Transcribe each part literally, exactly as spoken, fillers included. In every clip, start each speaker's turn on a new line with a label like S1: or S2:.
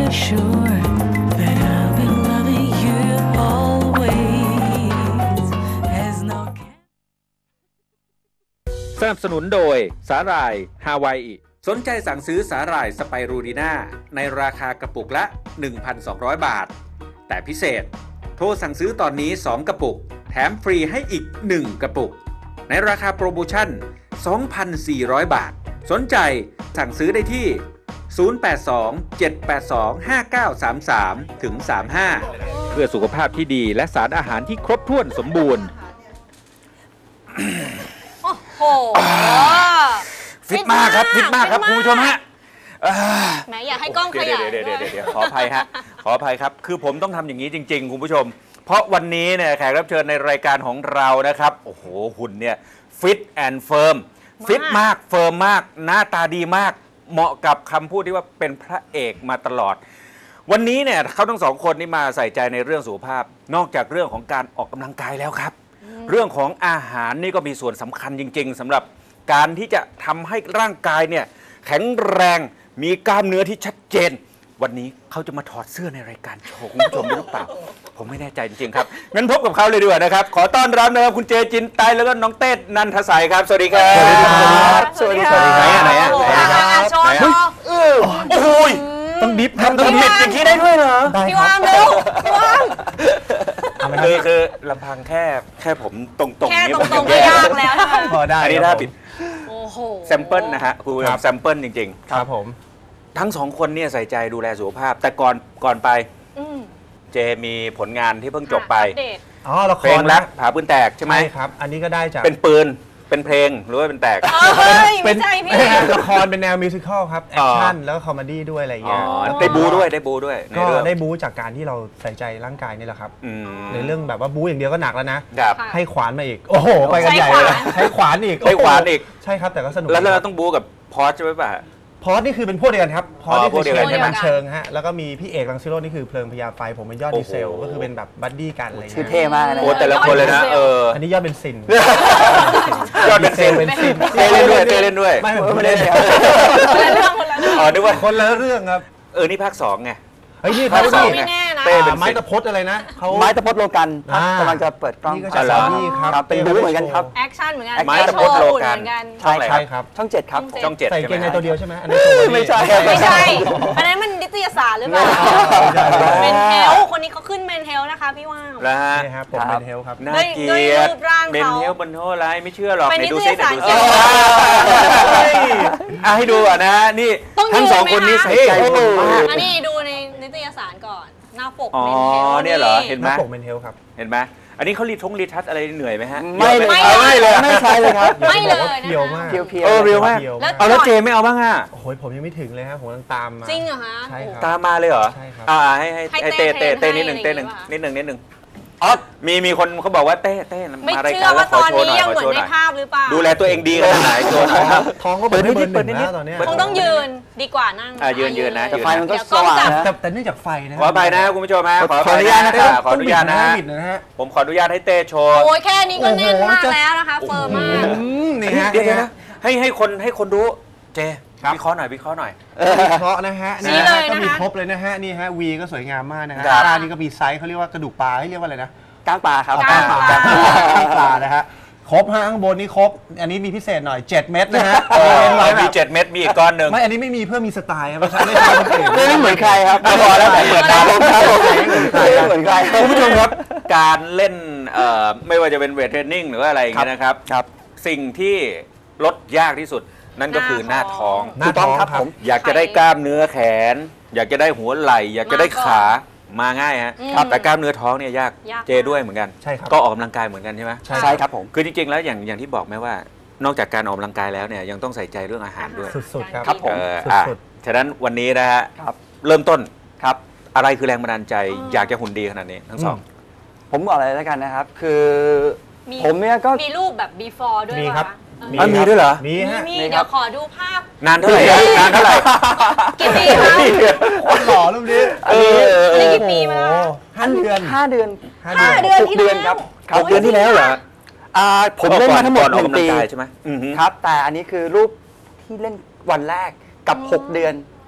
S1: sure that I'll be loving you always. As no
S2: สนับสนุนโดยสาหร่ายฮาวายอิสนใจสั่งซื้อสาหร่ายสไปรูลีน่าในราคากระปุกละ หนึ่งพันสองร้อย บาทแต่พิเศษโทรสั่งซื้อตอนนี้สองกระปุกแถมฟรีให้อีกหนึ่งกระปุกในราคาโปรโมชั่น สองพันสี่ร้อย บาทสนใจสั่งซื้อได้ที่ศูนย์ แปด สอง เจ็ด แปด สอง ห้า เก้า สาม สาม ถึง สาม ห้า เพื่อสุขภาพที่ดีและสารอาหารที่ครบถ้วนสมบูรณ์
S3: โอ้โห
S2: ฟิตมากครับฟิตมากครับคุณผู้ชมฮะ
S3: แหมอยากให้กล้องขยาย
S2: เดี๋ยวเดี๋ยวเดี๋ยวขออภัยฮะขออภัยครับคือผมต้องทำอย่างนี้จริงๆคุณผู้ชมเพราะวันนี้เนี่ยแขกรับเชิญในรายการของเรานะครับโอ้โหหุ่นเนี่ยฟิตแอนด์เฟิร์มฟิตมากเฟิร์มมากหน้าตาดีมากเหมาะกับคำพูดที่ว่าเป็นพระเอกมาตลอดวันนี้เนี่ยเขาทั้งสองคนนี่มาใส่ใจในเรื่องสุขภาพนอกจากเรื่องของการออกกำลังกายแล้วครับเรื่องของอาหารนี่ก็มีส่วนสำคัญจริงๆสำหรับการที่จะทำให้ร่างกายเนี่ยแข็งแรงมีกล้ามเนื้อที่ชัดเจนวันนี้เขาจะมาถอดเสื้อในรายการโชว์คุณผู้ชมหรือเปล่าผมไม่แน่ใจจริงๆครับงั้นพบกับเขาเลยดีกว่านะครับขอต้อนรับนะครับคุณเจจินไตแล้วก็น้องเต้นันทสัยครับสวัสดีครับ
S3: สวัสดีครับ
S2: ไหนอ่ะไหนอ่ะไหนอ่ะ
S3: โชว์โชว์
S2: โอ้โห
S4: ต้องดิฟ
S2: ทำต้องดิฟอย่างนี้ได้ด้วยเหรอ
S3: พี่วางเร็วพี่วาง
S2: คือคือลำพังแค่แค่ผมตรงๆ
S3: แค่ตรงๆก็ยากแล้ว
S2: พอได้อันนี้ถ้าปิด
S3: โอ้โห
S2: แซมเปิลนะฮะคุณแซมเปิลจริง
S4: ๆครับผม
S2: ทั้งสองคนเนี่ยใส่ใจดูแลสุขภาพแต่ก่อนก่อนไปเจมีผลงานที่เพิ่งจบไป
S4: อ๋อละคร
S2: เพลงรักผาปืนแตกใช่ไหม
S4: ใช่ครับอันนี้ก็ได้จาก
S2: เป็นปืนเป็นเพลงหรือว่าเป็นแตก
S3: เป็น
S4: ละครเป็นแนวมิวสิควลครับแอคชั่นแล้วก็คอมเมดี้ด้วยอะไรอย่างเงี้ย
S2: ได้บูด้วยได้บูด้วย
S4: ก็ได้บูจากการที่เราใส่ใจร่างกายนี่แหละครับในเรื่องแบบว่าบูอย่างเดียวก็หนักแล้วนะให้ขวานมาอีกโอ้โหไปกันใหญ่เลยให้ขวานอีก
S2: ให้ขวานอีก
S4: ใช่ครับแต่ก็สนุก
S2: แล้วเราต้องบูกับพอสใช่ไหมป่ะ
S4: พอสนี่คือเป็นพวกเดียวกันครับพอสนี่คือเชิงในบันเชิงฮะแล้วก็มีพี่เอกรังสิโรจน์นี่คือเพลิงพญาไฟผมเป็นยอดดีเซลก็คือเป็นแบบบัดดี้กันอะไร
S5: ชื่อเท่มากนะ
S2: โอ้แต่ละคนเลยนะเออ
S4: อันนี้ยอดเป็นซิน
S2: ยอดเป็นซินเป็นซินเต้เล่นด้วยเต้เล่นด้วย
S4: ไม่ไม่ได้
S3: คนละเรื่องคนละเรื่อง
S2: อ๋อนึกว่า
S4: คนละเรื่องครับ
S2: เออนี่ภาคสองไง
S4: เฮ้ยนี่
S3: ภาคสองไม่แน่นะ
S4: เต้เป็นไม้ตะพดอะไรนะ
S5: เขาไม้ตะพดโลกันกำลังจะเปิดกล้อง
S4: นี่ก็จะสามีครับ
S5: เป็นบู๊เหมือนกันครับ
S3: แอคชั่นเหมือนกัน
S2: ไม้ตะพดโลกัน
S5: ใช่ครับช่องเจ็ดครับ
S2: ช่องเจ็ด
S4: ใส่เกงในตัวเดียวใช่ไหมอันนี้
S5: ไม่ใช่
S3: ไม่ใช่อันนั้นมันนิตยสารหรือเปล่าเมนเทลคนนี้เขาขึ้นเมนเทลนะคะพี่ว่าง
S2: แล้วฮะ
S4: นี่ครับผมเมนเทลครับ
S2: น่าเกลียดเมนเทลบนโทษอะไรไม่เชื่อหรอก
S3: ไหนดูซิไหนดูซิ
S2: อ่ะให้ดูอ่ะนะนี่ทั้งสองคนนี้ใส่ใจผมมาก
S3: อันนี้ดูในนิตยสารก่อนหน้าปก
S2: อ๋อเนี่ยเหรอเห็นไหม
S4: หน้าปกเมนเทลครับ
S2: เห็นไหมอันนี้เขารีทงรีทัชอะไรเหนื่อยไหมฮะ
S5: ไม่เลย
S2: ไม่เลย
S5: ไม่ใช่เลยครับ
S3: ไม่เลย
S4: เพียวมาก
S5: เพียวเพียว
S2: เออเพียวมากเอาแล้วเจไม่เอาบ้างอ่ะ
S4: โอ้โหผมยังไม่ถึงเลยครับผมต้องตามมา
S3: จริงเหรอฮะ
S4: ใช่ครับ
S2: ตามมาเลยเหรอ
S4: ใช่ครับ
S2: อ่าให้ให้เต้เต้เต้นิดหนึ่งเต้หนึ่งนิดหนึ่งนิดหนึ่งอ๋อมีมีคนเขาบอกว่าเต้เต้มารายการแล้วขอโชว์หน่อยขอโชว์หน่อยดูแลตัวเองดีขนาดไหนโชว์หน่อยครับ
S4: ท้องก็เปิดนิดเปิดนิดตอนนี้
S3: คงต้องยืนดีกว่านั่ง
S2: อ่ายืนยืนนะ
S5: แต่ไฟมันก็สว่างนะ
S4: แต่เนื่องจากไฟนะ
S2: ขอไปนะคุณผู้ชมนะ
S5: ขออนุญาตนะครับ
S2: ขออนุญาตนะผมขออนุญาตให้เต้โชว์
S3: โอ้ยแค่นี้ก็แน่นมากแล้วนะคะเฟิร์มมาก
S4: นี่ฮะ
S2: เดี๋ยวนะให้ให้คนให้คนรู้เจวิเคราะห์หน่อยวิเคราะห์หน่อย
S4: วิเคราะห์นะฮะนี่ก็มีครบเลยนะฮะนี่ฮะวีก็สวยงามมากนะฮะตานี่ก็มีไซส์เขาเรียกว่ากระดูกปลาให้เรียกว่าอะไรนะ
S5: ก้างปลาครับ
S4: ก้างปลาก้างปลานะฮะครบฮะข้างบนนี่ครบอันนี้มีพิเศษหน่อยเจ็ดเม็ดนะฮะ
S2: มีเจ็ดเม็ดมีอีกก้อนหนึ่ง
S4: ไม่อันนี้ไม่มีเพื่อมีสไตล์ครับไม่ใช่ไม่ใช่
S5: ไม่เหมือนใครครับ
S2: พอแล้วเปิดตาลงครับ
S5: ไม่เหมือนใคร
S2: คุณผู้ชมครับการเล่นไม่ว่าจะเป็นเวทเทรนนิ่งหรือว่าอะไรอย่างเงี้ยนะครับสิ่งที่ลดยากที่สุดนั่นก็คือหน้าท้อง
S4: หน้าท้องครับผม
S2: อยากจะได้กล้ามเนื้อแขนอยากจะได้หัวไหล่อยากจะได้ขามาง่ายฮะแต่กล้ามเนื้อท้องเนี่ยยากเจด้วยเหมือนกัน
S4: ใช่ครับ
S2: ก็ออกกำลังกายเหมือนกันใช่ไหม
S5: ใช่ครับผม
S2: คือจริงๆแล้วอย่างอย่างที่บอกไหมว่านอกจากการออกกำลังกายแล้วเนี่ยยังต้องใส่ใจเรื่องอาหารด้วย
S4: สุดๆครับ
S2: ครับผมฉะนั้นวันนี้นะฮะเริ่มต้นครับอะไรคือแรงบันดาลใจอยากจะหุ่นดีขนาดนี้ทั้งสอง
S5: ผมบอกอะไรแล้วกันนะครับคือผมเนี่ยก็
S3: มีรูปแบบ before ด้วย
S4: มีครับ
S2: มีด้วยเหรอ
S4: มีฮะ
S3: มีเดี๋ยวขอดูภาพ
S2: นานเท่าไหร่นานเท่าไหร่
S3: กี่ปีคะ
S4: คนหล่อรูปนี้
S3: อันนี้กี่ปีมาแล้ว
S4: ห้าเดือน
S5: ห้าเดือน
S3: ห้าเดือนที่แล้ว
S5: ครับ
S2: หกเดือนที่แล้วเหรอ
S5: ผมเล่นมาทั้งหมดหนึ่งปี
S2: ใช่ไหม
S5: ครับแต่อันนี้คือรูปที่เล่นวันแรกกับหกเดือน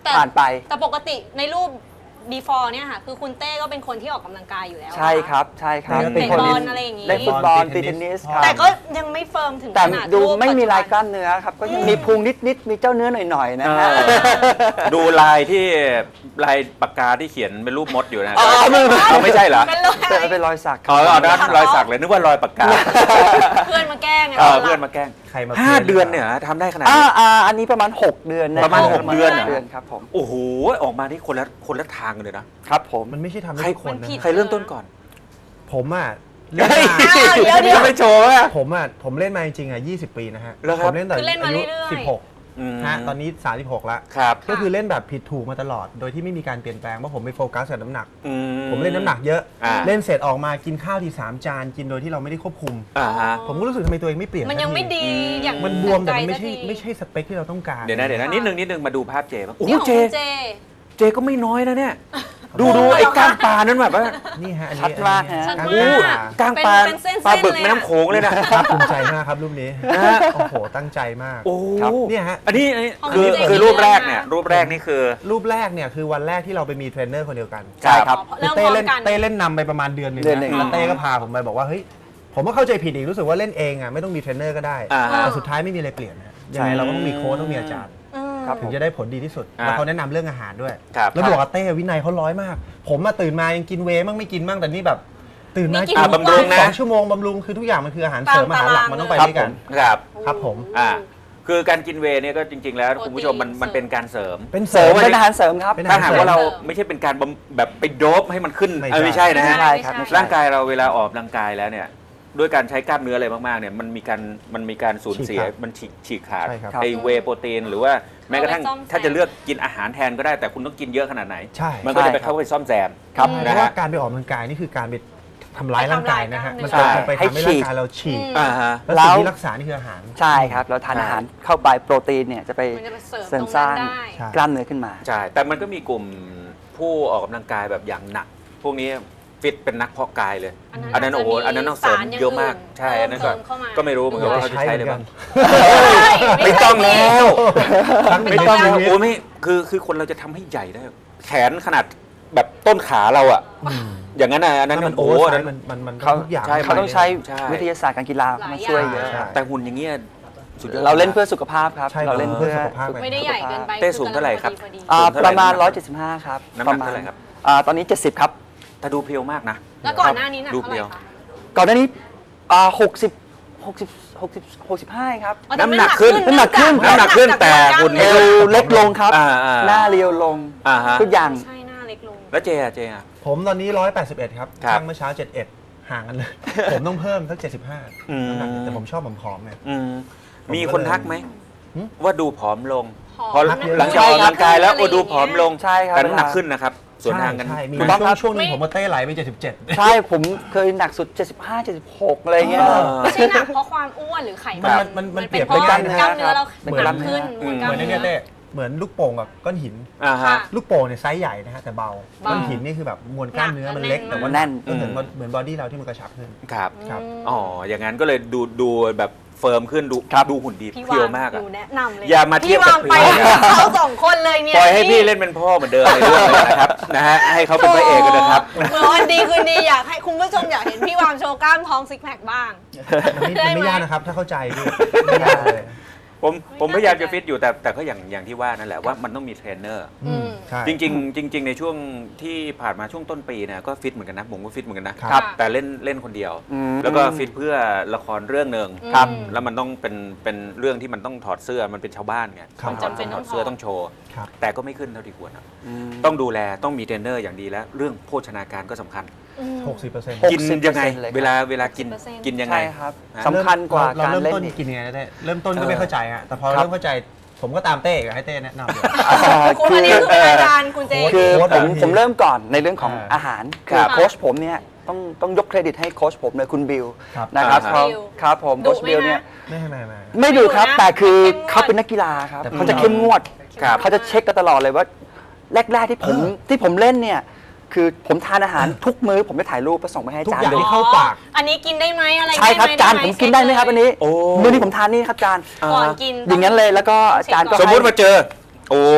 S5: ผ่านไป
S3: แต่ปกติในรูป before เนี่ยค่ะคือคุณเต้ก็เป็นคนที่ออกกำลังกายอยู่แล้ว
S5: ใช่ครับใช่ครับ
S3: เตะบอลอะไรอย่างงี้
S5: เล่นฟุตบอลตีเทนนิสครับ
S3: แต่ก็ยังไม่เฟิร์มถึง
S5: แต่
S3: ขนาด
S5: ดู
S3: รูป
S5: ไม่มี
S3: ปัจจุบัน
S5: ลายกล้ามเนื้อครับก็ยังมีพุงนิดๆมีเจ้าเนื้อหน่อยๆนะฮะ
S2: ดูลายที่ลายปากกาที่เขียนเป็นรูปมดอยู่นะ
S5: อ๋อไม่ไม่
S2: เอาไม่ใช่เหรอ
S3: เป็นรอย
S5: แต่เป็นรอยสักค
S2: อ๋
S5: รั
S2: อบ เอานั้นรอยสักเลยนึกว่ารอยปากกา
S3: เพื่อนมาแกล้งไง
S2: เออเพื่อนมาแกล้ง
S4: ใครมา
S2: ห้า
S4: พื่
S2: เดือนเนี่ยทำได้ขนาด
S5: อ่า
S2: นี้
S5: อ่าอันนี้ประมาณหกเดือนน
S2: ประมาณหกเดือน
S5: เดือนครับผม
S2: โอ้โหออกมาที่คนละคนละทางกันเลยนะ
S5: ครับผม
S4: มันไม่ใช่ทำ
S2: ใคร
S4: ให้คนนะ
S2: ใครเริ่มต้นก่อน
S4: ผมอ่ะ
S2: เฮ้ย
S3: เดี๋ยวเดี๋ยว
S2: ไม่โชว์อ่ะ
S4: ผมอ่ะผมเล่นมาจริงๆอ่ะยี่สิบปีนะฮะ
S2: เหรอครับ
S4: ผมเล่นแต่
S3: คือเล่นมา
S4: อายุ
S3: เรื่อยๆ
S4: สิบหก
S2: อืม
S4: ฮะตอนนี้สามสิบหกแล้ว
S2: ครับ
S4: ก็คือเล่นแบบผิดถูกมาตลอด โดยที่ไม่มีการเปลี่ยนแปลงเพราะผมไปโฟกัสกับน้ำหนัก
S2: อื
S4: ผมเล่นน้ำหนักเยอะ
S2: อ่า
S4: เล่นเสร็จออกมากินข้าวทีสามจานกินโดยที่เราไม่ได้ควบคุม
S2: อ่าฮะ
S4: ผมก็รู้สึกทำไมตัวเองไม่เปลี่ยน
S3: มันยังไม่
S4: สักที
S3: ดีอย่าง
S4: มันบวมแต่มันไม่
S3: ใจ
S4: ใช่
S3: สักที
S4: ไม่ใช่สเปคที่เราต้องการ
S2: เดี๋ยวนะเดี๋ยวนะนิดนึงนิดนึงมาดูภาพเจบ้างโอ้โห
S3: นี่ของ
S2: เจ
S3: คุณเจ
S2: เจก็ไม่น้อยนะเนี่ย ดูดูไอ้ก้างปลานั้นแบบว่า
S4: นี่ฮะอัน
S5: ชั
S4: นี้
S5: ดมากฮะ
S3: ชัด
S4: กล้
S3: มาก
S4: กล้างปลา
S2: ก้างปลา
S3: เป็นเส้นๆ
S2: ปลาบึก
S3: เลยอะ
S2: แม่น้ำโขงเลยนะ
S4: ภาคภูมิใจมากครับรูปนี้โอ้โหตั้งใจมาก
S2: โอ้
S5: ครับ
S4: เนี่ยฮะ
S2: อันนี้อันนี้
S3: ของ
S2: คือ
S3: เจ
S2: คือ
S3: นี่
S2: รูปแรก
S3: เลยนะ
S2: เนี่ยรูปแรกนี่คือ
S4: รูปแรกเนี่ยคือวันแรกที่เราไปมีเทรนเนอร์คนเดียวกัน
S5: ใช่ครับ
S3: เริ่ม
S4: เต้
S3: พร้อม
S4: เล่น
S3: กัน
S4: เต้เล่นนำไปประมาณเดือนหนึ่ง
S5: เดือนหนึ่ง
S4: แล้วเต้ก็พาผมไปบอกว่าเฮ้ยผมก็เข้าใจผิดอีกรู้สึกว่าเล่นเองอ่ะไม่ต้องมีเทรนเนอร์ก็ได้
S2: อ่าฮะ
S4: แต่สุดท้ายไม่มีอะไรเปลี่ยนนะยังไงเราก็ต้องมีโค้ชต้องมีอาจารย์
S3: อืม
S5: ครับ
S4: ถึงจะได้ผลดีที่สุด
S2: อ่า
S4: แล้วเขาแนะนำเรื่องอาหารด้วย
S2: ครับ
S4: แล้วบอกว่าเต้วินัยเขาร้อยมาก ผมมาตื่นมายังกินเวย์มั่งไม่กินมั่งแต่นี่แบบ ตื่นมา
S3: มีกิ
S4: กิ
S3: น
S4: น
S2: อ่าบำรุงนะ
S4: สองชั่วโมงบำรุงคือทุกอย่างมันคืออาหารเสริม
S3: ตาม
S4: อาหารหลัก
S3: ตาราง
S4: มันต้องไป
S2: ครับ
S4: ด้วย
S2: ผ
S4: กัน
S2: มครับ
S4: ครับผม
S2: อ่าคือการกินเวย์เนี่ยก็จริง ๆ แล้ว
S3: โปรตีน
S2: คุณผู้ชมมันมันเป็นการเสริม
S4: เป็น
S5: เสริมเป็นอาหารเสริมครับ
S4: เป็นอ
S2: ถ้าหากว่าเรา
S3: เสริม
S2: ไม่ใช่เป็นการบำแบบไปโดบให้มันขึ้น
S4: ไม่
S2: เออไม่
S4: ใช่
S2: ใช่นะฮะ
S5: ใช่ครับไม่ใช่
S2: ร่างกายเราเวลาออกกำลังกายแล้วเนี่ยด้วยการใช้กล้ามเนื้ออะไรมากๆเนี่ยมันมีการมันมีการสูญเสีย
S4: ฉีกขาด
S2: มันฉีกฉีกขาด
S4: ใช่ครับ
S2: ไอเวย์โปรตีนหรือว่าแม้กระทั่ง
S3: เอาไว้ซ่อมแซม
S2: ถ้าจะเลือกกินอาหารแทนก็ได้แต่คุณต้องกินเยอะขนาดไหน
S4: ใช่
S2: มันก็จะไป
S5: ใช่ครับ
S2: เข้าไปซ่อมแซม
S4: ครับ
S3: อืม
S4: เพ
S2: นะ
S4: ราะ
S2: ฮะ
S4: ว่าการไปออกกำลังกายนี่คือการไปทำร้ายร่างกายนะฮะ
S3: ไป
S4: มัน
S3: ทำร้าย
S4: จะไป
S5: ให้
S4: ทำให้
S5: ฉี
S4: ร่าง
S5: ก
S4: กายเราฉีก
S3: อืม
S2: อ่าฮะ
S4: แล้วสิ่งที่รักษานี่คืออาหาร
S5: ใช่ครับ เราทานอาหารเข้าไปโปรตีนเนี่ยจะไป
S3: มันจะไปเสริม
S5: เสริม
S3: ตรง
S5: ส
S3: นั้
S5: ร้าน ง
S3: ได้
S4: ใช่
S5: กล้ามเนื้อขึ้นมา
S2: ใช่แต่มันก็มีกลุ่มผู้ออกกำลังกายแบบอย่างหนัก พวกนี้ฟิตเป็นนักเพาะกายเลย อันนั้นโอ้โหอันนั้นต้องเสริมเยอะมากใช่อันนั้นก็
S3: เพิ่มเข้ามา
S2: ก็ไม่รู้เหมือนกันว่าเขาจะใช้หรือเปล่า
S3: ไม่
S2: ไม่
S3: ใช่
S2: ต้องแล้ว
S4: ครั้งหนึ่
S2: ไม่
S4: ง
S2: ต้อง
S4: ใน
S2: แล้ว
S4: ชีวิต
S2: โอ้ไม่คือคือคนเราจะทำให้ใหญ่ได้ แขนขนาดแบบต้นขาเราอะอย่างนั้นนะอันนั้น
S4: นั่นมัน
S2: โอ้
S4: โอ้
S2: โห
S4: โห
S2: อันนั้น
S4: มันมันมัน
S5: เขา
S4: ทุกอย่าง
S2: ใช่
S5: เขาต้องใช้
S2: ใช่
S5: วิทยาศาสตร์การกีฬามาช่วยเยอะ
S4: ใช่
S2: แต่หุ่นอย่างเงี้ยสุดยอด
S5: เราเล่นเพื่อสุขภาพครับ
S4: ใช่
S5: เราเล่นเพื่อ
S4: เพื่อสุขภาพ
S3: ไม่ได้ใหญ่เกินไป
S2: เต้สูงเท่าไหร่ครับ
S3: พอดี
S5: อ่า
S2: สูงเท่าไหร่
S5: ประมาณ
S2: น้ำหนัก
S5: หนึ่งร้อยเจ็ดสิบห้าครับ
S2: น้ำหนักเท่าไหร่ครับ
S5: อ่าตอนนี้เจ็ดสิบครับ
S2: แต่ดูเพรียวมากนะ
S3: แล้วก่อนหน้านี้หนัก
S2: รูป
S3: เท่าไห
S2: เดี
S3: ร่
S2: ยว
S3: คะ
S5: ก่อนหน้านี้อ่าหกสิบหกสิบหกสิบหกสิบห้าครับ
S3: อ๋อแต่
S2: น้ำหนักขึ้น
S5: น้ำหนักขึ้น
S2: น้ำหนักขึ้นแต่หุ่น
S5: เอวเล็กลงครับ
S2: อ่าอ่า
S5: หน้าเรียวลง
S2: อ่าฮะ
S5: ทุกอย่าง
S3: ใช่หน้าเล็กลง
S2: แล้วเจอะเจอะ
S4: ผมตอนนี้หนึ่งร้อยแปดสิบเอ็ดครับ
S2: ครับ
S4: ช่างเมื่อเช้าเจ็ดสิบเอ็ดห่างกันเลย ผมต้องเพิ่มสักเจ็ดสิบห้า
S2: อืม
S4: น้ำหนักแต่ผมชอบผอมๆไง
S2: อืม
S4: ผม
S2: มีคนทักไหม
S4: หึ
S2: ว่าดูผอมลง
S3: ผอม
S2: พอ
S3: นะ
S2: หลังจากออกกำลังกายแล้ว
S3: ใช่
S2: โอ้ดูผอมลง
S5: ใช่ครับ
S2: แต่น้ำหนักขึ้นนะครับ ส่วนทางกัน
S4: ใช่ใช่มี
S5: ถูกต้อง
S4: ช่ว
S5: ครั
S4: ง
S5: บ
S4: ช่วงหนึงผมมาเต้ไหลไปเจ็ดสิบเจ็ด
S5: ใช่ผมเคยหนักสุด เจ็ดสิบห้า เจ็ดสิบหกอะไรเงี้ย
S2: เออ
S3: ไม่ใช่หนักเพราะความอ้วนหรือไขมัน
S4: มันมันมัน
S3: เป็น
S4: เปรียบ
S3: เพราะ
S4: เป็น
S3: ก
S4: กล้า
S3: ล้าม ม
S4: เนื้
S3: เนื้
S4: อ
S3: อเรา
S4: เหมือน
S3: หนักขึ้น
S2: อืม
S3: กล้าม
S4: เหมือน
S3: เนื้
S4: เนี่ยเต้เหมือนลูกโป่งกับก้อนหิน
S2: อ่าฮะ
S3: ค่ะ
S4: ลูกโป่งเนี่ยไซส์ใหญ่นะฮะแต่เบา
S3: เบา
S4: ก้อนหินนี่คือแบบมวลกล้ามเนื้อมันเล็ก
S3: หนัก
S4: แต่ว่า
S5: แน่น
S4: ก็เหมือน
S2: อืม
S4: เหมือนบอดี้เราที่มันกระชับขึ้น
S2: ครับ
S4: ครับ
S2: อ๋อ อย่างนั้นก็เลยดูดูแบบเฟิร์มขึ้นดูดูหุ่นดี
S3: พี่
S2: เพรียว
S3: วาม
S2: าก
S3: ห
S2: อะ
S3: นูแนะนำเลย
S2: อย่ามาเทียบกับ
S3: พี่วามไป
S2: เพรียว
S3: เขาสองคนเลยเนี่ย
S2: ปล่อยให้พี่เล่นเป็นพ่อเหมือนเดิมในเรื่องเลยนะครับ นะฮะ ให้เขาเป็นพระเอกกันนะครับ
S3: เหมือนวันดีคืนดีอยากให้คุณผู้ชมอยากเห็นพี่วามโชว์กล้ามท้องซิกแพคบ้าง
S4: มันไม่
S3: ได้
S4: มัน
S3: ไหม
S4: ไม่ยากนะครับ ถ้าเข้าใจพี่ไม่ยากเลย
S2: ผมผมพยายามจะฟิตอยู่แต่แต่ก็อย่างอย่างที่ว่านั่นแหละว่ามันต้องมีเทรนเนอร์
S3: อืม
S4: ใช่
S2: จริงๆจริง ๆ ในช่วงที่ผ่านมาช่วงต้นปีเนี่ยก็ฟิตเหมือนกันนะผมก็ฟิตเหมือนกันนะ
S4: ครับ
S2: แต่เล่นเล่นคนเดียว
S5: อืม
S2: แล้วก็ฟิตเพื่อละครเรื่องหนึ่ง
S3: ครับ
S2: แล้วมันต้องเป็นเป็นเรื่องที่มันต้องถอดเสื้อมันเป็นชาวบ้านไง
S4: ครับ
S2: มันจำเป็นถอดเสื้อต้องโชว์
S4: ครับ
S2: แต่ก็ไม่ขึ้นเท่าที่ควรอะ
S5: อืม
S2: ต้องดูแลต้องมีเทรนเนอร์อย่างดีแล้วเรื่องโภชนาการก็สำคัญ
S3: อืม
S4: หกสิบเปอร์เซ็นต์
S5: หก
S2: กิน
S5: สิบเปอร์เซ็นต์
S2: ยังไง
S5: เลยครับ
S2: เวลาเวลากิน
S3: หกสิบเปอร์เซ็นต์
S2: กินยังไง
S5: ใช่ครับ
S2: ฮะ
S5: สำคัญกว่า
S4: เรา
S5: การ
S4: เริ่ม
S5: เล่น
S4: ต้น
S5: อีก
S4: กินยังไงนะเต้เริ่มต้นก็
S2: เออ
S4: ไม่เข้าใจอะแต่พอ
S5: ครับ
S4: เริ่มเข้าใจผมก็ตามเต้อีกให้เต้แนะนำเลย
S3: คุณอันนี้คือเป็นอาจารย์คุณเจ
S5: คือ
S4: โค้ช
S5: ผม
S4: อะ
S5: ผมเริ่มก่อนในเรื่องของ
S4: อ่า
S5: อาหาร
S2: ค
S5: คื
S2: รั
S5: อบ โค้ชผมเนี่ยต้องต้องยกเครดิตให้โค้ชผมเลยคุณบิล
S4: ครับ
S5: นะครับ
S2: อ่า
S5: เขา
S3: บิล
S5: ครับผม
S3: ดุ
S5: โค้ช
S3: ไหม
S5: บิลเนี่ย
S3: คะ
S4: ไม่ไม่ไม่
S5: ไม่ดูครับ
S3: ไม่ดุนะ
S5: แต่คือ
S3: เข้มงวด
S5: เขาเป็นนักกีฬาครับ
S4: แต่
S5: เขาจะเข้มงวด
S2: ครับ
S5: เขาจะเช็คกันตลอดเลยว่าแรกๆที่ผมที่ผมเล่นเนี่ยคือผมทานอาหารทุกมื้อผมจะถ่ายรูปไปส่งไปให้
S4: ทุก
S5: จาน
S4: อย่าง
S5: ดู
S4: ที่เข้าปาก
S3: อันนี้กินได้ไหมอะไร
S5: ใช่ครับ
S3: ได้ไห
S5: จานผมกินได้ไหมครับอันนี้
S2: โอ้
S5: มื้อนี้ผมทานนี่ครับจาน
S3: ก่อนกิน
S5: อย่างนั้นเลยแล้วก็จานก็
S2: สมมุติ
S5: ให้
S2: มาเจอ โอ้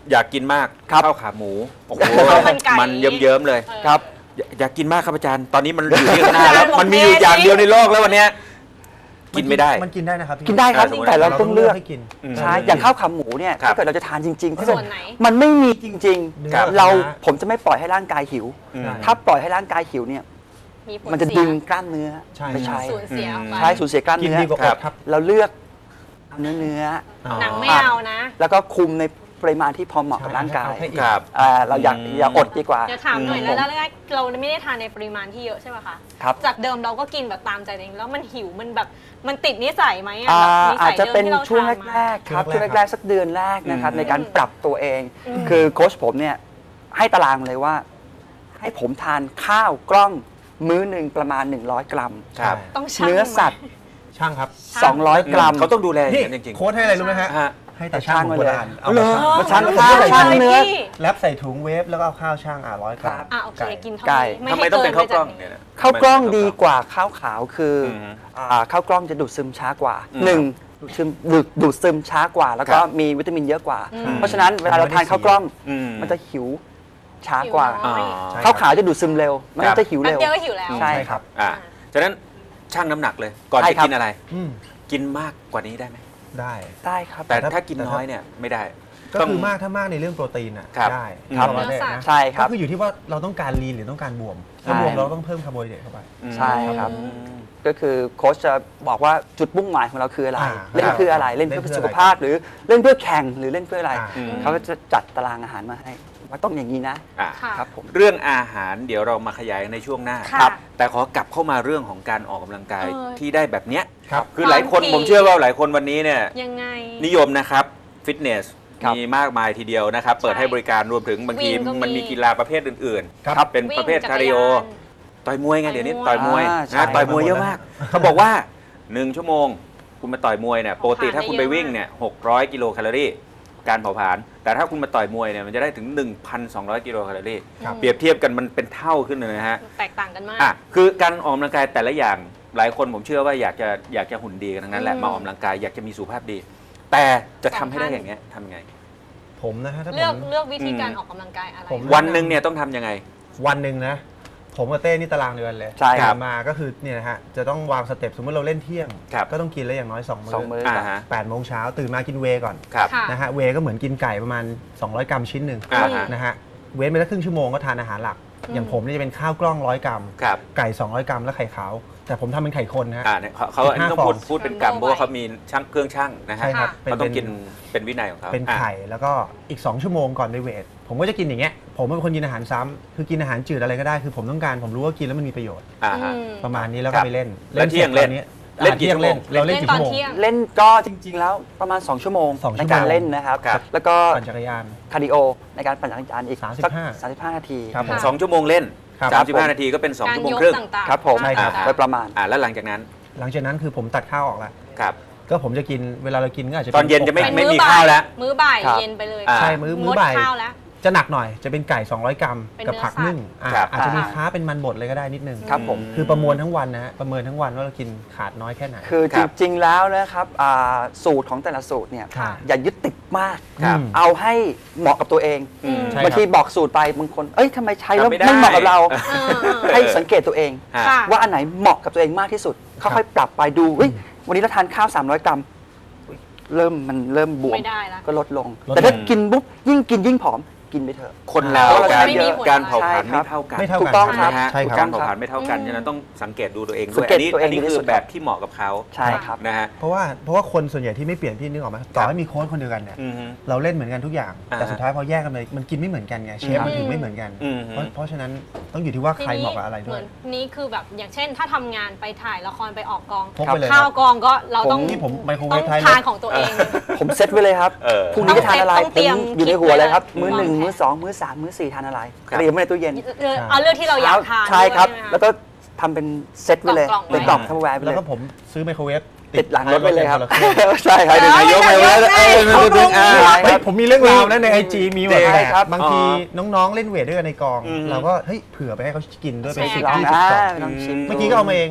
S2: อยากกินมาก
S5: ครับ
S2: ข้าวขาหมูโอ้โห
S3: ข้าวมันไก่
S2: มันเยิ้มๆเลย
S5: ครับ
S2: อยอยากกินมากครับอาจารย์ ตอนนี้มันอยู่ที่ข้างหน้าแล้ว มันมีอยู่อย่างเดียวในโลกแล้ววันเนี้ยกินไม่ได้
S4: มันกินได้นะครับพี่
S5: กินได้ครับ
S2: เออ
S5: แต่เราต้องเลือก
S4: ให้กิน
S2: อืม
S5: ใช่อย่างข้าวขาหมูเนี่ย
S2: ครับ
S5: ถ้าเกิดเราจะทานจริงๆถ้าเกิด
S3: ส่วนไหน
S5: มันไม่มีจริง
S2: ครับ
S5: ๆ เราผมจะไม่ปล่อยให้ร่างกายหิว
S2: อืม
S5: ถ้าปล่อยให้ร่างกายหิวเนี่ย
S3: มีผล
S5: มันจะ
S3: เสีย
S5: ดึงกล้ามเนื้อ
S4: ใช่
S5: ไม่ใช่
S3: สูญเสียออกไป
S5: ใช่สูญเสียกล้าม
S4: กิน
S5: เนื้อ
S4: ดีกว่าอดครับ
S5: เราเลือกเนื้อเนื้อ
S3: หนังไม่เอานะ
S5: แล้วก็คุมในปริมาณที่พอเหมาะกับร่างกาย
S4: ให้อิ่ม
S2: ครับ
S5: อ่าเราอยาก
S2: อืม
S5: อย่าอดดีกว่า
S3: เดี๋ยวถามหน่อย
S5: อืม
S3: แล้วแรกๆเราไม่ได้ทานในปริมาณที่เยอะใช่ไหมคะ
S5: ครับ
S3: จากเดิมเราก็กินแบบตามใจตัวเองแล้วมันหิวมันแบบมันติดนิสัยไหมอะ
S5: อ่า
S3: แบบนิ
S5: อา
S3: สั
S5: จ
S3: ย
S5: จะ
S3: เดิม
S5: เป็น
S3: ที่เรา
S5: ช่วง
S3: ทานมา
S5: แรกๆครับ
S4: ช่
S5: ช่
S4: ว
S5: ว
S4: ง
S5: ง
S4: แรกๆ
S5: แรกๆสักเดือนแรกนะครับ
S2: อืม
S5: ในการปรับตัวเอง
S3: อืม
S5: คือโค้ชผมเนี่ยให้ตารางเลยว่า ให้ผมทานข้าวกล้องมื้อหนึ่งประมาณ หนึ่งร้อย กรัม
S2: ครับ
S3: ต้องชั่ง
S5: เนื้อสัตว์
S4: ช่างครับ
S5: สองร้อย กรัม
S2: เขาต้องดูแลอย่าง
S4: นี่
S2: นั้นจริงๆ
S4: โค้ดให้อะไรรู้ไหมฮะ
S2: ฮะ
S4: ให้แต่ช่างของโบราณเอา
S5: เหรอ
S4: มาชั่ง
S5: มาชั่งข้าว
S4: ใส่
S5: ช่าง
S4: ถุง
S5: เนื้อ
S4: แรปใส่ถุงเวฟแล้วก็เอาข้าวช่างอ่ะร้อยกรัม
S3: อ่ะโอเค
S4: ไก่
S3: กินเท่า
S5: ไก่
S3: นี้
S2: ทำไม
S3: ให้
S2: ต้องเป็นข้าวกล้อง
S3: ไปจ
S2: เนี่ยนะ
S5: ข้าวกล้อง
S2: ทำไม
S5: ดี
S2: เป็น
S5: กว่าข้าวขาวคืออ
S2: ม
S5: อ่าข้าวกล้องจะดูดซึมช้ากว่า
S2: อืม
S5: หนึ่งดูดซึมดูดดูดซึมช้ากว่า แล้วก็
S2: ครับ
S5: มีวิตามินเยอะกว่า
S3: อืม
S5: เพราะฉะนั้นเวลาเราทานข้าวกล้อง
S2: อืม
S5: มันจะหิวช้ากว่า
S3: หิวน้อย
S2: อ๋อ
S5: ข้าวขาวจะดูดซึมเร็ว มัน
S2: ครับ
S5: จะหิว
S3: แป๊บ
S5: เร็ว
S3: เดียวก็หิวแล้ว
S5: ใช่
S4: ใช่ครับ
S2: อ่าฉะนั้นชั่งน้ำหนักเลย ก่อน
S5: ใช่
S2: จะ
S5: ครับ
S2: กินอะไร
S4: อืม
S2: กินมากกว่านี้ได้ไหม
S4: ได้
S5: ได้ครับ
S2: แต่
S4: แต่ถ้า
S2: ถ้ากินน้อยเนี่ยไม่ได้
S4: ก็
S2: ต้อง
S4: คือมากถ้ามากในเรื่องโปรตีนอ่ะ
S2: ครับ
S4: ได้
S2: ครับ
S4: คาร์โบไฮเดรตนะ
S5: ใช่ครับ
S4: ก็คืออยู่ที่ว่าเราต้องการลีนหรือต้องการบวมถ้า
S5: ใช่
S4: บวมเราต้องเพิ่มคาร์โบไฮเดรตเข้าไป
S5: ใช่ครับ
S2: อืม
S5: ก็คือโค้ชจะบอกว่าจุดมุ่งหมายของเราคืออะไร
S4: อ่า
S5: เล่นเพื่ออะไร เล่น
S4: เล่น
S5: เพื่อ
S4: เพื่อ
S5: สุขภาพหรือเล่นเพื่อแข่งหรือเล่นเพื่ออะไร
S4: อ่า
S2: อืม
S5: เขาก็จะจัดตารางอาหารมาให้ว่าต้องอย่างนี้นะ
S2: อ่ะ
S3: ค่ะ
S5: ครับผม
S2: เรื่องอาหารเดี๋ยวเรามาขยายในช่วงหน้า
S3: ค่ะ
S2: ครับแต่ขอกลับเข้ามาเรื่องของการออกกำลังกาย
S3: เออ
S2: ที่ได้แบบเนี้ย
S4: ครับ
S2: คือหลายคน
S3: บางที
S2: ผมเชื่อว่าหลายคนวันนี้เนี่ย
S3: ยังไง
S2: นิยมนะครับฟิตเนส
S5: ครับ
S2: มีมากมายทีเดียวนะครับ เปิด
S3: ใช่
S2: ให้บริการรวมถึงบางที
S3: วิ่งก็มี
S2: มันมีกีฬาประเภทอื่น
S4: ครับ
S2: ๆ เป็นประเภท
S3: วิ่ง
S2: คาร์ดิโอ
S3: จักรยาน
S2: ต่อยมวยไงเดี๋ยวนี้
S3: ต่
S2: ต่
S3: อ
S2: อย ย
S3: ม
S2: ม
S3: ว
S2: วย ย
S5: อ่าใช่
S2: นะต่อยมวยเยอะมาก เขาบอกว่า หนึ่ง ชั่วโมง คุณมาต่อยมวยเนี่ยปกติถ้าคุณไปวิ่งเนี่ยหกร้อยกิโลแคลอรี่การเผาผลาญแต่ถ้าคุณมาต่อยมวยเนี่ยมันจะได้ถึง หนึ่งพันสองร้อยกิโลแคลอรี่
S4: ครับ
S2: เปรียบเทียบกันมันเป็นเท่าขึ้นเลยนะฮะ
S3: แตกต่างกันมาก
S2: อ่ะคือการออกกำลังกายแต่ละอย่างหลายคนผมเชื่อว่าอยากจะอยากจะหุ่นดีกันทั้งนั้นแหละ
S3: อืม
S2: มาออกกำลังกายอยากจะมีสุขภาพดี แต่จะทำให้ได้อย่างเงี้ยทำยังไง
S4: ผมนะฮะถ้าผ
S3: เลือก
S4: ม
S3: เลือกวิธีการ
S2: อืม
S3: ออกกำลังกายอะไร
S4: ผม
S2: วันหนึ่งเนี่ยต้องทำยังไง
S4: วันหนึ่งนะ ผมกับเต้นี่ตารางเดือนเลย
S5: ใช่ครับ
S4: ตื่นมาก็คือเนี่ยนะฮะจะต้องวางสเต็ปสมมติเราเล่นเที่ยง
S2: ครับ
S4: ก็ต้องกินแล้วอย่างน้อย2มื้
S5: สองมื้อ
S2: อ่าฮะ
S4: แปดโมงเช้าตื่นมากินเวย์ก่อน
S2: ครับ
S3: ค่ะ
S4: นะฮะเวย์ก็เหมือนกินไก่ประมาณ สองร้อย กรัมชิ้นหนึ่ง
S2: อ่าฮะ
S4: นะฮะเว้นไปสักครึ่งชั่วโมงก็ทานอาหารหลัก
S3: อืม
S4: อย่างผมนี่จะเป็นข้าวกล้องร้อยกรัม
S2: ครับ
S4: ไก่ สองร้อย กรัมแล้วไข่ขาว แต่ผมทำเป็นไข่คนนะฮะ
S2: อ่าเนี่ยเขาเขาอันนี้ต้องพูด
S4: สิบห้าฟอง
S2: พูดเป็นกรรมเพราะว่าเขามีช่างเครื่องช่างนะฮะ
S4: ใช่ครับ
S2: เขาต้องกินเป็นวินัยของเขา
S4: เป็น
S2: อ่ะ
S4: ไข่แล้วก็อีก สอง ชั่วโมงก่อนไปเวท ผมก็จะกินอย่างเงี้ยผมเป็นคนกินอาหารซ้ำคือกินอาหารจืดอะไรก็ได้คือผมต้องการผมรู้ว่ากินแล้วมันมีประโยชน์
S2: อ่าฮะ
S3: อืม
S4: ประมาณนี้แล้ว
S2: ครั
S4: ก็
S2: บ
S4: ไปเล่น
S2: แล้วเที่ยง
S4: สร็จ
S2: เล่น
S4: ตอ
S2: เล่นกี่
S4: อ่า
S2: ชั่วโมง
S4: เราเล่น
S3: เล่น
S4: กี่
S3: ตอน
S4: ชั่วโมง
S3: เที่ยง
S5: เล่นก็จริง ๆ แล้วประมาณ สอง ชั่วโมง
S4: สองชั่
S5: ใน
S4: วโมง
S5: การเล่นนะครับ
S2: ครับ
S5: แล้วก็
S4: ปั่นจักรยาน
S5: คาร์ดิโอในการปั่นจักรยานอีก
S4: สามสิบห้า
S5: สามสิบห้านาที
S4: ครับผม
S2: สองชั่วโมงเล่น
S4: ครับ
S2: สามสิบห้านาทีก็เป็นสอง
S3: การ
S2: ชั่วโมง
S3: ยก
S2: ครึ่ง
S3: ต่างๆ
S5: ครับผม
S4: ใช่ครับ
S5: โดยประมาณ
S2: อ่าแล้วหลังจากนั้น
S4: หลังจากนั้นคือผมตัดข้าวออกแล้ว
S2: ครับ
S4: ก็ผมจะกินเวลาเรากินก็อาจจะ
S2: ตอนเย็นจะไม่
S3: เป็น
S2: ไม่
S3: มื้อ
S2: มี
S3: บ่ย
S2: ข้าวแล้ว
S3: มื้อบ่าย
S5: ครับ
S3: เย็นไปเลย
S2: อ่า
S4: ใช่มื้อมื้อบ่าย
S3: งดข้าวแล้ว
S4: จะหนักหน่อยจะเป็นไก่ สองร้อย กรัม
S3: เป็น
S4: กับ
S3: เนื้อ
S4: ผัก
S3: สัตว์
S4: นึ่งอ่า
S2: ครับ
S4: อาจจะมี
S5: อ่า
S4: ค้าเป็นมันบดเลยก็ได้นิดนึง
S5: ครับผม
S4: คือประมวลทั้งวันนะฮะประเมินทั้งวันว่าเรากินขาดน้อยแค่ไหน
S5: คือ
S2: ค
S5: จ
S2: รับ
S5: ริง ๆ แล้วนะครับอ่าสูตรของแต่ละสูตรเนี่ย
S4: ค่ะ
S5: อย่ายึดติดมาก
S2: ครับ
S4: อืม
S5: เอาให้เหมาะกับตัวเอง
S2: อืม
S4: ใช่
S5: บางทีบอกสูตรไปบางคน เอ้ยทำไมใช้แล้ว
S2: ทำไม่ได้
S5: ไม่เหมาะกับเรา
S3: เออเออ
S5: ให้สังเกตตัวเอง
S2: ฮะ
S3: ค่ะ
S5: ว่าอันไหนเหมาะกับตัวเองมากที่สุด
S4: ครับ
S5: ค่อยๆปรับไปดูเฮ้ยวันนี้เราทานข้าว สามร้อย กรัมเริ่มมันเริ่มบวม
S3: ไม่ได้ละ
S5: ก็ลดลง
S4: ลดลง
S5: แต่ถ้ากินปุ๊บยิ่งกินยิ่งผอมกินไปเถอะ
S2: คนเรา
S5: เพราะเรา
S2: การ
S5: ไม่มีผล
S2: การเผาผลาญ
S5: ใช่ครั
S2: ไม่
S5: บ
S2: เท่ากัน
S4: ไม่เท่า
S5: ถู
S4: กัน
S5: กต้อง
S2: ใช่ไหมฮะ
S4: ใช่ครับ
S2: การเผาผลาญไม่เท่ากัน
S3: อืม
S2: ฉะนั้นต้องสังเกตดูตัวเอง
S5: สั
S2: ด้วย
S5: งเก
S2: อั
S5: ต
S2: นนี้
S5: ตัวเอง
S2: อันนี้
S5: ดีที่
S2: คื
S5: สุ
S2: อ
S5: ด
S2: แบบที่เหมาะกับเขา
S5: ใช่ครับ
S2: นะฮะ
S4: เพราะว่าเพราะว่าคนส่วนใหญ่ที่ไม่เปลี่ยนพี่นึกออกไหมต่อให้มีโค้ชคนเดียวกันเนี่ย
S2: อือฮึ
S4: เราเล่นเหมือนกันทุกอย่าง
S2: อ่า
S4: แต่สุดท้ายพอแยกกันไปมันกินไม่เหมือนกันไงเชฟมันถึงไม่เหมือนกัน
S2: อืม
S4: เพราะเพราะฉะนั้นต้องอยู่ที่ว่าใครเหมาะกับอะไรด้
S3: เห
S4: ว
S3: มื
S4: ย
S3: อนนี้คือแบบอย่างเช่น ถ้าทำงานไปถ่ายละครไปออกกอง
S4: พกไปเลย
S3: ข้าวกองก็เราต้อง
S4: นี่ผมไมโครเว
S3: ต้อ
S4: ฟ
S3: ง
S4: ท้ายร
S3: ทาน
S4: ถ
S3: ของตัวเอง
S5: ผมเซตไว้เลยครับ
S2: เออ
S5: พรุ่งนี้จะทานอะไร
S3: ต้อง
S5: ผ
S3: เตรีย
S5: ม
S3: ม
S5: อยู่ในหัวเลยครับ
S3: คิดไว้
S5: มื้อหนึ่ง
S3: วางแผน
S5: มื้อสองมื้อสามมื้อสี่ทานอะไร
S2: ครับ
S5: เตรียมไว้ในตู้เย็น
S3: เออเอาเรื่องที่เราอยากทาน
S5: ใช่ครับ
S3: ด้วยใช่ไหมะ
S5: แล้วก็ทำเป็นเซตไว้เลย
S3: กล่องๆไว้
S5: เป็นกล่องทัพแวร์ไป
S4: แล้
S5: เล
S4: วย ก็ผมซื้อไมโครเวฟ
S5: ติดหลังรถไปเลยครับ
S4: ท้ายถป็นนละครื่อง
S5: ใช่ครับ
S3: เออ
S5: นายกไปแล้ว
S3: นายก
S5: เอ้ย
S3: เขา
S5: มันจะดึงอ่า
S3: ปรุง
S5: ค
S4: เฮ้ย
S5: รับ
S4: ผมมีเรื่องราวนะในไอจีมีแบบ
S5: ใช่ครับ
S4: บางทีน้องๆเล่นเวทด้วยกันในกอง
S2: อืม
S4: เราก็เฮ้ยเผื่อไปให้เขากินด้วยเป็น
S3: ใช่
S4: สิบ
S5: ลอง
S4: ยี่สิบ
S5: อ่าก
S4: ล่อง
S5: ลองชิม
S4: เมื่อกี้ก็เอามาเอง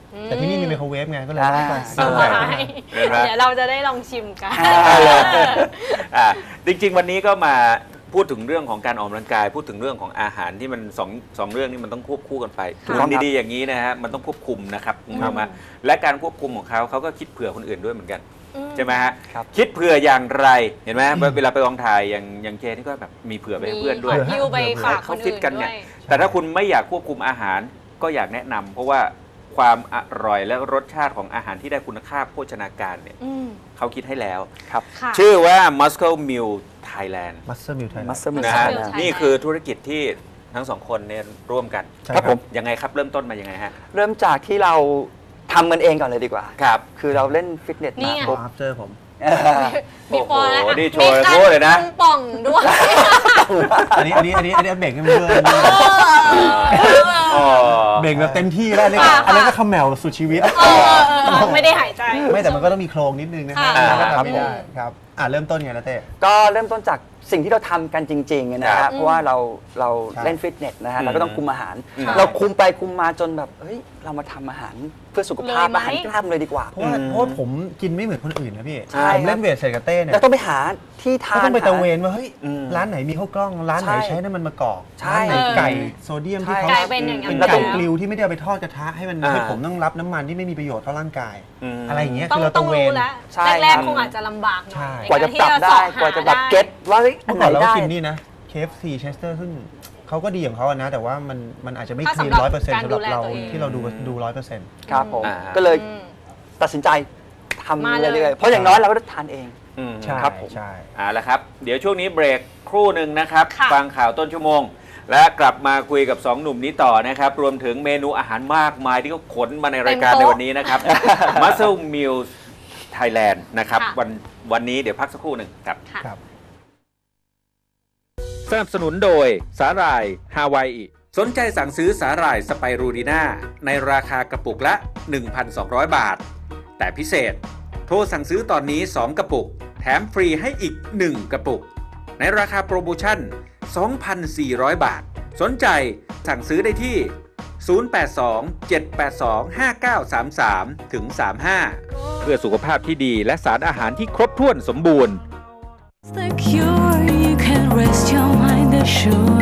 S4: แต่ที่นี่มีไมโครเวฟไงก็เลยต้องไป
S5: อ่า
S3: ใช่เดี๋ยวเราจะได้ลองชิมกัน
S2: อ่าจริงๆวันนี้ก็มาพูดถึงเรื่องของการออกกำลังกาย พูดถึงเรื่องของอาหารที่มันสองสองเรื่องนี้มันต้องควบคู่กันไป
S3: ค่ะ
S2: ทำดีๆอย่างนี้นะฮะมันต้องควบคุมนะครับคุณผู้ชมฮะและการควบคุมของเขาเขาก็คิดเผื่อคนอื่นด้วยเหมือนกันใช่ไหมฮะ
S5: ครับ
S2: คิดเผื่ออย่างไรเห็นไหมเวลาไปกองถ่ายอย่างอย่างเจนี่ก็แบบมีเผื่อไปให้เพื่อนด้วย
S3: มีฮิวไปฝากค
S2: เขา
S3: น
S2: ฟิ
S3: อื่
S2: ต
S3: น
S2: กัน
S3: ด้
S2: เนี่
S3: วย ย
S2: แต่ถ้าคุณไม่อยากควบคุมอาหารก็อยากแนะนำเพราะว่าความอร่อยและรสชาติของอาหารที่ได้คุณค่าโภชนาการเนี่ย
S3: อืม
S2: เขาคิดให้แล้ว
S5: ครับ
S3: ค่ะ
S2: ชื่อว่า Muscle Meal Thailand
S4: มัสเตอร์มิลไทย
S5: มัสเตอร์มิล
S2: นะ
S5: ไท
S2: ฮะ
S5: ย
S3: Thailand
S2: นี่คือธุรกิจที่ทั้งสองคนเนี่ยร่วมกัน
S4: ใช่
S5: ครับผม
S2: ยังไงครับเริ่มต้นมายังไงฮะ
S5: เริ่มจากที่เราทำกันเองก่อนเลยดีกว่า
S2: ครับ
S5: คือเราเล่นฟิตเนส
S3: นี่
S5: มา
S3: ไง
S5: ปุ๊บ
S4: อัพเจอผม
S3: มีปอแล้ว
S2: โอ้โหนี่โช
S3: มี
S2: ว์
S3: การ
S2: โชว์เลยนะ
S3: ป่องด้วย
S4: อันนี้อันนี้อันนี้อันนี้เบ่งให้มันเพื่อน
S2: อ๋อ
S4: เบ่งแบบเต็มที่แล้วอันนี้
S3: ค่ะ
S4: อันนี้ก็เขมแมวสุดชีวิต
S3: เออเออเออไม่ได้หายใจ
S4: ไม่แต่มันก็ต้องมีโครงนิดนึงนะ
S3: ค่ะ
S4: แล้วก็
S5: ครับ
S4: ทำไม่ได้ครับอ่าเริ่มต้นไงนะเต้
S5: ก็เริ่มต้นจากสิ่งที่เราทำกันจริงๆนะ
S2: ครั
S5: ฮะ
S2: บ
S5: เพราะว่าเราเรา
S4: ใช่
S5: เล่นฟิตเนสนะฮะ
S2: อืม
S5: เราก็ต้องคุมอาหาร
S2: อืม
S5: เราคุมไปคุมมาจนแบบเฮ้ยเรามาทำอาหารเพื่อสุขภาพ
S3: เลยไหม
S5: อาหารกล้ามเลยดีกว่า
S4: เพราะว่า
S2: อืม
S4: เพราะว่าผมกินไม่เหมือนคนอื่นนะพี่
S5: ใช่
S4: ผมเล่นเวทเสร็จกับเต้เนี่ย
S5: เราต้องไปหาที่ทาน
S4: ก็ต้องไปตะเว
S5: หาน
S4: ว่าเฮ้ย
S2: อืม
S4: ร้านไหนมีข้าวกล้อง ร้านไหน
S5: ใช่
S4: ใช้น้ำมันมะกอก
S5: ใช่
S4: ร้านไหนไก่โซเดียมที่เขา
S3: กลายเป็นอย่างนั้น
S4: เป็น
S3: ไป
S4: ไก่
S3: แล้ว
S4: กลิวที่ไม่ได้เอาไปทอดกระทะให้มัน
S2: อ่า
S4: ให้ผมต้องรับน้ำมันที่ไม่มีประโยชน์ต่อร่างกาย
S2: อืม
S4: อะไรอย่างเงี้ย
S3: ต้อ
S4: คื
S3: ง
S4: อเรา
S3: ต้
S4: ตะ
S3: อง
S4: เว
S3: รู้
S4: น
S3: แล้ว
S5: ใช่
S3: แรก
S5: ครับ
S3: ๆคงอาจจะลำบากหน่
S4: ใช่
S3: อย
S5: กว่าจะปรับได้กว่าจะแบบเก็ตว่าเฮ้ยอั
S4: เมื่
S5: น
S4: อ
S5: ไหน
S4: ก่อนเรา
S5: ได้
S4: ก็กินนี่นะ เค เอฟ ซี Chester ซึ่งเขาก็ดีของเขาอะนะ แต่ว่ามันมันอาจจะไม่
S3: ถ้า
S4: คลีน
S3: สำหรับ
S4: ร้อยเปอร์เซ็นต์
S3: การ
S4: สำหรับเรา
S3: ดูแลตัวเอง
S4: ที่เราดูดูร้อยเปอร์เซ็นต์
S5: ครับผม
S2: อ่า
S5: ก็เลย
S3: อืม
S5: ตัดสินใจทำ
S3: มาเลย
S5: เรื่อยๆเพราะอย่างน้อยเราก็ได้ทานเอง
S2: อืม
S4: ใช่
S5: ครับผม
S4: ใช่
S2: เอาละครับ เดี๋ยวช่วงนี้เบรกครู่หนึ่งนะครับ
S3: ค่ะ
S2: ฟังข่าวต้นชั่วโมง และกลับมาคุยกับสองหนุ่มนี้ต่อนะครับ รวมถึงเมนูอาหารมากมายที่เขาขนมาในรายการในวันนี้นะครับ Muscle Meals Thailand นะครับ
S3: ค่ะ
S2: วันวันนี้เดี๋ยวพักสักครู่หนึ่งครับ
S3: ค่ะ
S4: ครับ
S2: สนับสนุนโดยสาหร่ายฮาวายอิสนใจสั่งซื้อสาหร่ายสไปรูดีน่าในราคากระปุกละ หนึ่งพันสองร้อย บาท แต่พิเศษ โทรสั่งซื้อตอนนี้ สอง กระปุก แถมฟรีให้อีก หนึ่ง กระปุก ในราคาโปรโมชั่น สองพันสี่ร้อย บาท สนใจสั่งซื้อได้ที่ ศูนย์ แปด สอง เจ็ด แปด สอง ห้า เก้า สาม สาม ถึง สาม ห้า เพื่อสุขภาพที่ดีและสารอาหารที่ครบถ้วนสมบูรณ์
S1: It's the cure. You can rest your mind assured.